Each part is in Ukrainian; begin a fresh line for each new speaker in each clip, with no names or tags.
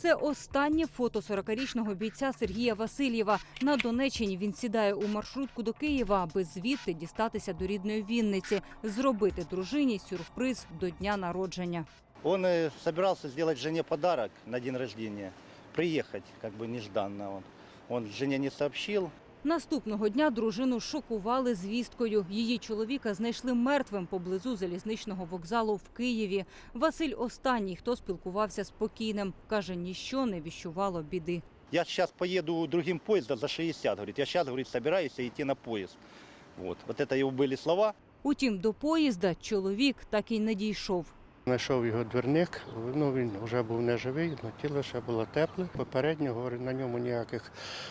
Це останнє фото 40-річного бійця Сергія Васильєва. На Донеччині він сідає у маршрутку до Києва, аби звідти дістатися до рідної Вінниці, зробити дружині сюрприз до дня народження.
Он собирался сделать жене подарок на день рождения, приехать как бы нежданно. Он жене не сообщил.
Наступного дня дружину шокували звісткою. Її чоловіка знайшли мертвим поблизу залізничного вокзалу в Києві. Василь останній, хто спілкувався з покійним. Каже, ніщо не віщувало біди.
Я сейчас поеду другим поездом за 60, говорит. Я сейчас, говорит, собираюсь идти на поезд. Вот это его были слова.
Утім, до поїзда чоловік так і не дійшов.
Знайшов його двірник, він вже був неживий, але тіло ще було тепле. Попередньо, говорить, на ньому ніяких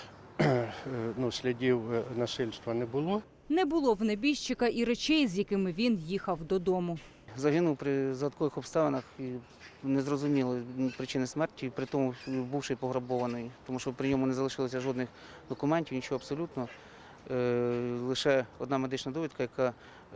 слідів насильства не було.
Не було в небіжчика і речей, з якими він їхав додому.
Загинув при загадкових обставинах і незрозуміло причини смерті, при тому бувши пограбований, тому що при ньому не залишилося жодних документів, нічого абсолютно. Лише одна медична довідка,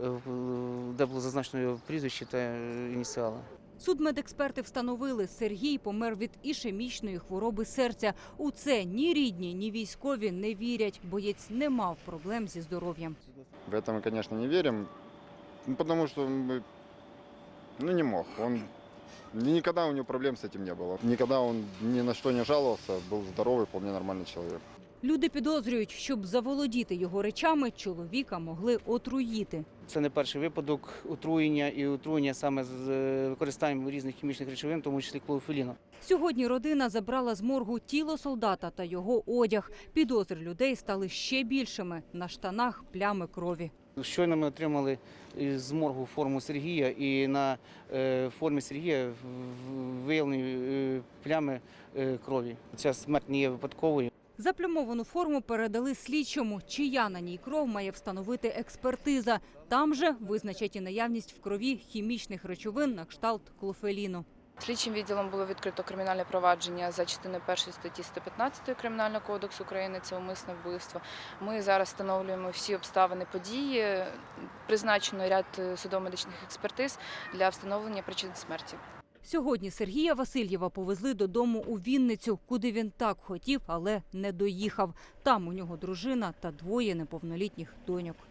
де було зазначено його прізвище та ініціали.
Судмедексперти встановили, Сергій помер від ішемічної хвороби серця. У це ні рідні, ні військові не вірять. Боєць не мав проблем зі здоров'ям.
В это мы, конечно, не верим, потому что не мог. Никогда у него проблем с этим не было. Никогда он ни на что не жаловался, был здоровый, вполне нормальный человек.
Люди підозрюють, щоб заволодіти його речами, чоловіка могли отруїти.
Це не перший випадок отруєння і отруєння саме з використанням різних хімічних речовин, в тому числі клоуфеліну.
Сьогодні родина забрала з моргу тіло солдата та його одяг. Підозри людей стали ще більшими. На штанах плями крові.
Щойно ми отримали з моргу форму Сергія, і на формі Сергія виявлені плями крові. Ця смерть не є випадковою.
Заплямовану форму передали слідчому. Чия на ній кров має встановити експертиза. Там же визначать і наявність в крові хімічних речовин на кшталт клофеліну.
Слідчим відділом було відкрито кримінальне провадження за частиною 1 статті 115 Кримінального кодексу України – це умисне вбивство. Ми зараз встановлюємо всі обставини події, призначено ряд судово-медичних експертиз для встановлення причин смерті.
Сьогодні Сергія Васильєва повезли додому у Вінницю, куди він так хотів, але не доїхав. Там у нього дружина та двоє неповнолітніх доньок.